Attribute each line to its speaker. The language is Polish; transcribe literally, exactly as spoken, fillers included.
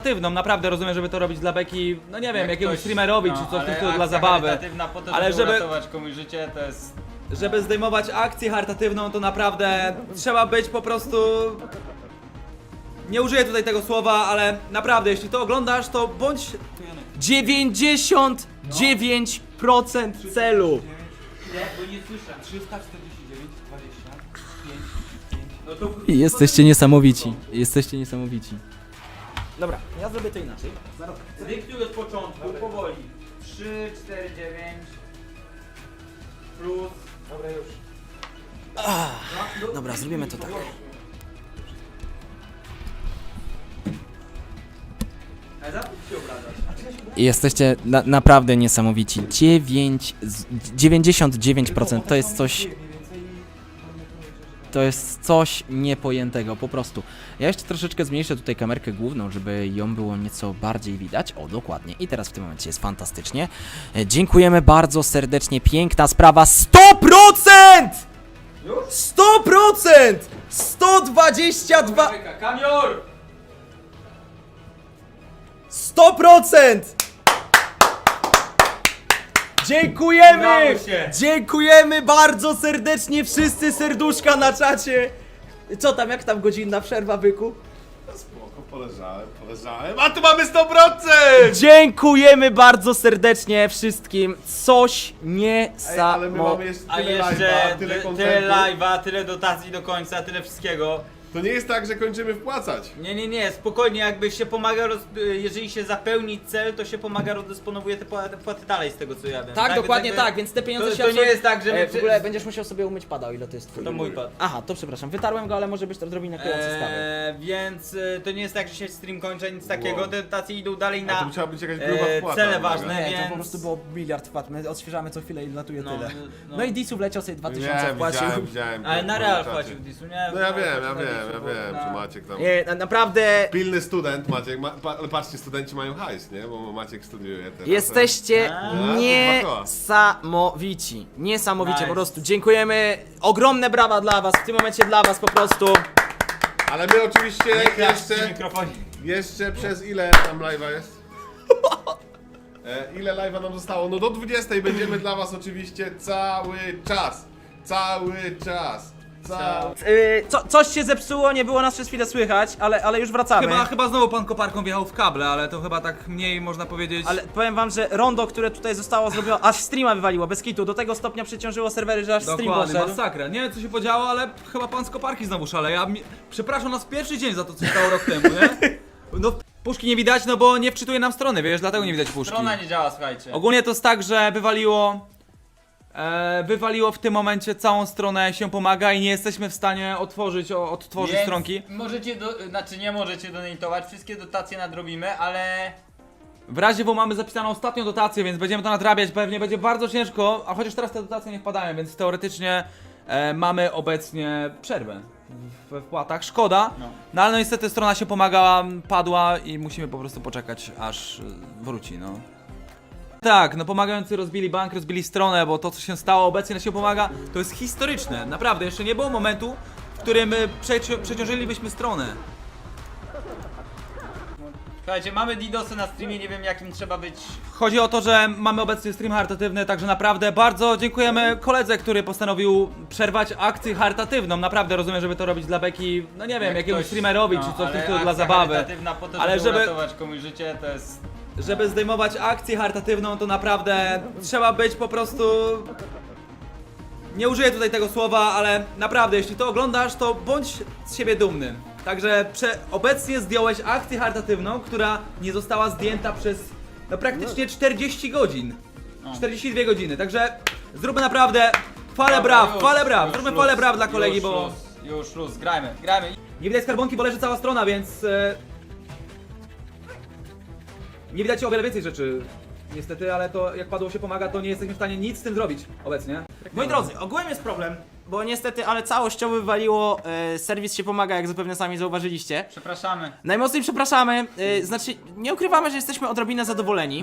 Speaker 1: charytatywną, naprawdę rozumiem, żeby to robić dla beki, no nie wiem,
Speaker 2: Jak
Speaker 1: jakiegoś
Speaker 2: ktoś-
Speaker 1: streamerowi
Speaker 2: no,
Speaker 1: czy coś,
Speaker 2: ale
Speaker 1: tylko dla
Speaker 2: akcja
Speaker 1: zabawy.
Speaker 2: charytatywna po to,
Speaker 1: Ale
Speaker 2: żeby,
Speaker 1: żeby-
Speaker 2: uratować komuś życie, to jest...
Speaker 1: Żeby zdejmować akcję charytatywną, to naprawdę trzeba być po prostu... Nie użyję tutaj tego słowa, ale naprawdę, jeśli to oglądasz, to bądź...
Speaker 3: dziewięćdziesiąt dziewięć procent celu.
Speaker 1: Bo nie słyszę. trzysta czterdzieści dziewięć, dwadzieścia pięć, pięć. No to...
Speaker 3: Jesteście niesamowici. Jesteście niesamowici.
Speaker 4: Dobra, ja zrobię to inaczej.
Speaker 2: Dyktuj od początku, powoli. trzy, cztery, dziewięć plus...
Speaker 4: Dobra, już.
Speaker 3: Dobra, zrobimy to tak.
Speaker 2: Ale zapuść się obrażać.
Speaker 3: Jesteście na, naprawdę niesamowici. dziewięć, z- dziewięćdziesiąt dziewięć procent to jest coś. To jest coś niepojętego, po prostu. Ja jeszcze troszeczkę zmniejszę tutaj kamerkę główną, żeby ją było nieco bardziej widać. O, dokładnie. I teraz w tym momencie jest fantastycznie. E, Dziękujemy bardzo serdecznie. Piękna sprawa. sto procent! sto procent! sto dwadzieścia dwa...
Speaker 2: Kamior!
Speaker 3: sto procent! Dziękujemy!
Speaker 2: Udało się.
Speaker 3: Dziękujemy bardzo serdecznie, wszyscy serduszka na czacie. Co tam, jak tam godzinna przerwa, byku?
Speaker 5: Spoko, poleżałem, poleżałem, a tu mamy sto procent!
Speaker 3: Dziękujemy bardzo serdecznie wszystkim. Coś
Speaker 5: Ej, ale my mamy
Speaker 3: niesamowitego.
Speaker 5: jeszcze
Speaker 2: A
Speaker 5: tyle
Speaker 2: jeszcze
Speaker 5: live'a, tyle
Speaker 2: ty-
Speaker 5: kontentu.
Speaker 2: tyle live'a, tyle dotacji do końca, tyle wszystkiego.
Speaker 5: To nie jest tak, że kończymy wpłacać.
Speaker 2: Nie, nie, nie, spokojnie, jakby się pomaga, roz... jeżeli się zapełni cel, to się pomaga, rozdysponowuje te płaty, płaty dalej z tego co ja wiem.
Speaker 4: Tak, dokładnie
Speaker 2: jakby-
Speaker 4: tak, więc te pieniądze
Speaker 2: To,
Speaker 4: się
Speaker 2: to nie
Speaker 4: absolut-
Speaker 2: jest tak, że my...
Speaker 4: E, w ogóle będziesz musiał sobie umyć pada, o ile to jest twój.
Speaker 2: To mój pad.
Speaker 4: Aha, to przepraszam, wytarłem go, ale może być to odrobinę klejący sprawy.
Speaker 2: Eee, więc e, to nie jest tak, że się stream kończy, nic takiego,
Speaker 5: Wow.
Speaker 2: te dotacje idą dalej
Speaker 5: A to
Speaker 2: na
Speaker 5: musiała być jakaś gruba
Speaker 2: e,
Speaker 5: wpłata.
Speaker 2: cele
Speaker 5: uwaga.
Speaker 2: ważne.
Speaker 4: Nie, to
Speaker 2: więc-
Speaker 4: po prostu było miliard wpadł, my odświeżamy co chwilę i latuje
Speaker 2: No,
Speaker 4: tyle.
Speaker 2: no,
Speaker 4: No,
Speaker 2: no.
Speaker 4: i Disu wleciał sobie dwa tysiące
Speaker 5: Nie,
Speaker 4: wpłacił.
Speaker 5: widziałem, widziałem.
Speaker 2: Ale na
Speaker 5: na
Speaker 2: real
Speaker 5: czacie.
Speaker 2: płacił Disu, nie?
Speaker 5: No ja wiem, ja
Speaker 2: Na
Speaker 5: wiem,
Speaker 2: Disu,
Speaker 5: ja
Speaker 2: bo
Speaker 5: wiem,
Speaker 2: na-
Speaker 5: że Maciek tam...
Speaker 3: Nie, na, naprawdę
Speaker 5: Pilny student Maciek, ma, pa, ale patrzcie, studenci mają hajs, nie? Bo Maciek studiuje teraz.
Speaker 3: jesteście
Speaker 2: A,
Speaker 5: to
Speaker 3: niesamowici. Niesamowicie
Speaker 2: Nice.
Speaker 3: po prostu. Dziękujemy. Ogromne brawa dla was, w tym momencie dla was po prostu.
Speaker 5: Ale my oczywiście
Speaker 2: Nie klaszcz przy
Speaker 5: jeszcze,
Speaker 2: mikrofonie.
Speaker 5: jeszcze przez ile tam live'a jest? E, ile live'a nam zostało? No do dwudziestej będziemy dla was oczywiście cały czas. Cały czas. Cały...
Speaker 4: Yy, co, coś się zepsuło, nie było nas przez chwilę słychać, ale, ale już wracamy.
Speaker 1: Chyba, chyba znowu pan koparką wjechał w kable, ale to chyba tak mniej można powiedzieć...
Speaker 4: Ale powiem wam, że rondo, które tutaj zostało zrobione, aż streama wywaliło, bez kitu, do tego stopnia przeciążyło serwery, że aż stream
Speaker 1: Dokładnie,
Speaker 4: poszedł.
Speaker 1: masakra. Nie wiem co się podziało, ale chyba pan z koparki znowu szaleje. Ja mi... Przepraszam nas pierwszy dzień za to, co się stało rok temu, nie? No puszki nie widać, no bo nie wczytuje nam strony, wiesz, dlatego nie widać puszki.
Speaker 2: Strona nie działa, słuchajcie.
Speaker 1: Ogólnie to jest tak, że wywaliło... E, wywaliło w tym momencie całą stronę, się pomaga i nie jesteśmy w stanie otworzyć, o, odtworzyć
Speaker 2: Więc
Speaker 1: stronki.
Speaker 2: możecie, do, znaczy nie możecie donatować, wszystkie dotacje nadrobimy, ale...
Speaker 1: W razie W mamy zapisaną ostatnią dotację, więc będziemy to nadrabiać, pewnie będzie bardzo ciężko, a chociaż teraz te dotacje nie wpadają, więc teoretycznie e, mamy obecnie przerwę we wpłatach. Szkoda,
Speaker 2: No.
Speaker 1: no ale no niestety strona się pomagała, padła i musimy po prostu poczekać aż e, wróci, no. Tak, no pomagający rozbili bank, rozbili stronę, bo to co się stało obecnie na się pomaga, to jest historyczne, naprawdę, jeszcze nie było momentu, w którym e, przeci przeciążylibyśmy stronę.
Speaker 2: Słuchajcie, mamy DDoSy na streamie, nie wiem jakim trzeba być...
Speaker 1: Chodzi o to, że mamy obecnie stream charytatywny, także naprawdę bardzo dziękujemy koledze, który postanowił przerwać akcję charytatywną. Naprawdę rozumiem, żeby to robić dla beki, no nie wiem,
Speaker 2: jak
Speaker 1: jakiegoś
Speaker 2: ktoś-
Speaker 1: streamerowi
Speaker 2: no,
Speaker 1: czy coś
Speaker 2: ale
Speaker 1: tylko dla
Speaker 2: akcja
Speaker 1: zabawy.
Speaker 2: charytatywna po to,
Speaker 1: Ale
Speaker 2: żeby,
Speaker 1: żeby-
Speaker 2: uratować komuś życie, to jest...
Speaker 1: Żeby zdejmować akcję charytatywną, to naprawdę trzeba być po prostu... Nie użyję tutaj tego słowa, ale naprawdę, jeśli to oglądasz, to bądź z siebie dumny. Także prze... obecnie zdjąłeś akcję charytatywną, która nie została zdjęta przez no praktycznie czterdzieści godzin.
Speaker 2: No.
Speaker 1: czterdzieści dwie godziny, także zróbmy naprawdę falę
Speaker 2: Dobra,
Speaker 1: braw,
Speaker 2: już,
Speaker 1: falę braw,
Speaker 2: już
Speaker 1: zróbmy
Speaker 2: luz,
Speaker 1: falę braw dla kolegi,
Speaker 2: już
Speaker 1: bo
Speaker 2: Luz, już luz, grajmy, grajmy.
Speaker 1: nie widać skarbonki, bo leży cała strona, więc e... nie widać o wiele więcej rzeczy. Niestety, ale to jak padło się pomaga, to nie jesteśmy w stanie nic z tym zrobić obecnie.
Speaker 4: Moi drodzy, ogółem jest problem, bo niestety, ale całościowo wywaliło, e, serwis się pomaga, jak zapewne sami zauważyliście.
Speaker 2: Przepraszamy.
Speaker 4: Najmocniej przepraszamy, e, znaczy nie ukrywamy, że jesteśmy odrobinę zadowoleni.